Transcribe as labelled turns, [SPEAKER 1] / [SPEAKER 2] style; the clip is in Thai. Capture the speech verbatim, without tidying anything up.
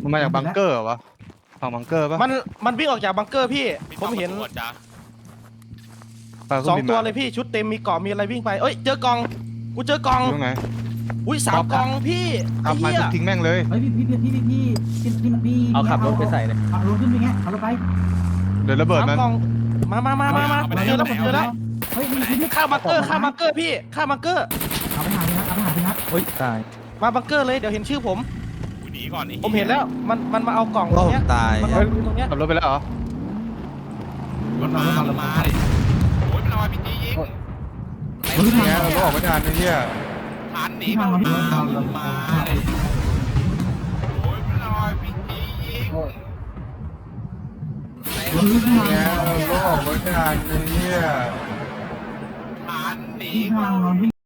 [SPEAKER 1] มันมาจากบังเกอร์เหรอวะฝั่งบังเกอร์ปะ
[SPEAKER 2] มันมันวิ่งออกจากบังเกอร์พี่ผมเห็นสองตัวเลยพี่ชุดเต็มมีเกาะมีอะไรวิ่งไปเอ้ยเจอกองกูเจอกอง
[SPEAKER 1] ตรงไหน
[SPEAKER 2] อุ้ยสามกองพี่
[SPEAKER 1] ขับมาทุบทิ้งแม่งเลย
[SPEAKER 3] เฮ้ยพี่พี่พี่พี่พี่พี่พี่พี่
[SPEAKER 4] เอาขับรถไปใส่เลย
[SPEAKER 3] ขับรถขึ้นไปเงี้ยขับรถไป
[SPEAKER 1] เดี๋ยวระเบิด
[SPEAKER 2] สาม
[SPEAKER 1] มัน
[SPEAKER 2] กองมามามามามาเจอแล้วผมเจอแล้ว
[SPEAKER 3] เฮ้ยพี่พี่
[SPEAKER 2] ข้ามบังเกอร์ข้ามบังเกอร์พี่ข้ามบังเกอร์
[SPEAKER 3] เอาไปหาพี่นัทเอาไปหาพี่นัท
[SPEAKER 4] เฮ้ยตาย
[SPEAKER 2] มาบังเกอร์เลยเดี๋ยวเห็นชื่อผม
[SPEAKER 5] หนีก่อน
[SPEAKER 2] ผมเห็นแล้วมันมันมาเอากล่องต
[SPEAKER 4] โอ้
[SPEAKER 2] รงเนี้ย
[SPEAKER 4] ตาย
[SPEAKER 2] มันเอาตรงเนี้ย
[SPEAKER 1] ขับรถไปแล้วเหรอ
[SPEAKER 5] มันมามันมาดิโอ้ยมันเอาพีจียิง
[SPEAKER 3] เฮ้ยพี่
[SPEAKER 1] เนี่ย
[SPEAKER 3] นัท
[SPEAKER 1] เราก็ออกไม่ทันไอ้เหี้ย
[SPEAKER 5] ทันหนีมันมามันมาดิโอ้ยมันเอาพีจียิง
[SPEAKER 3] เฮ้ยพี่นัท
[SPEAKER 1] เนี่ยเราก็ออกไม่ทันไอ้เหี้ย
[SPEAKER 5] ทันหนี
[SPEAKER 3] พี่นั
[SPEAKER 5] มั
[SPEAKER 3] ทนอน
[SPEAKER 5] น
[SPEAKER 3] พี่